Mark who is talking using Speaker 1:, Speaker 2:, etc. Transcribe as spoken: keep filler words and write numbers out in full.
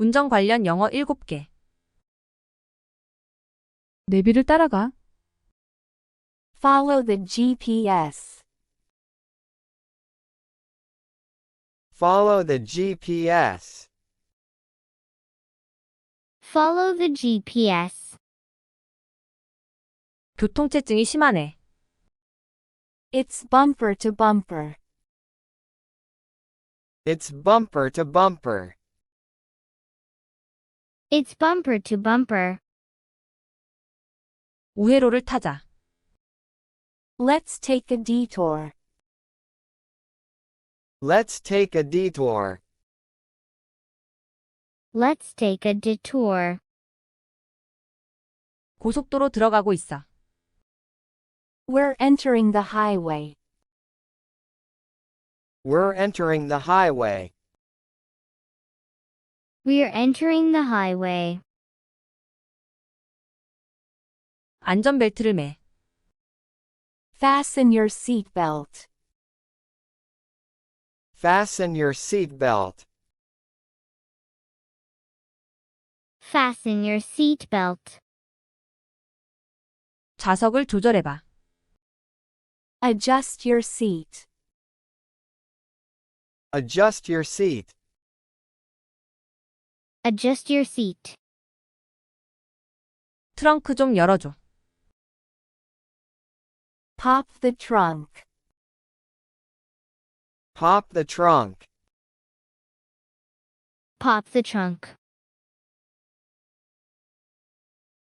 Speaker 1: 운전 관련 영어 일곱 개.
Speaker 2: 내비를 따라가.
Speaker 3: Follow the G P S.
Speaker 4: Follow the G P S.
Speaker 5: Follow the G P S.
Speaker 1: 교통체증이 심하네.
Speaker 3: It's bumper to bumper.
Speaker 4: It's bumper to bumper.
Speaker 5: It's bumper to bumper.
Speaker 1: 우회로를 타자.
Speaker 3: Let's take a detour.
Speaker 4: Let's take a detour.
Speaker 5: Let's take a detour.
Speaker 1: 고속도로 들어가고 있어.
Speaker 3: We're entering the highway.
Speaker 4: We're entering the highway.
Speaker 5: We are entering the highway.
Speaker 1: 안전벨트를 매.
Speaker 3: Fasten your seatbelt.
Speaker 4: Fasten your seatbelt.
Speaker 5: Fasten your seatbelt.
Speaker 1: 좌석을 조절해봐.
Speaker 3: Adjust your seat.
Speaker 4: Adjust your seat.
Speaker 5: Adjust your seat.
Speaker 1: 트렁크 좀 열어줘.
Speaker 3: Pop the trunk.
Speaker 4: Pop the trunk.
Speaker 5: Pop the trunk.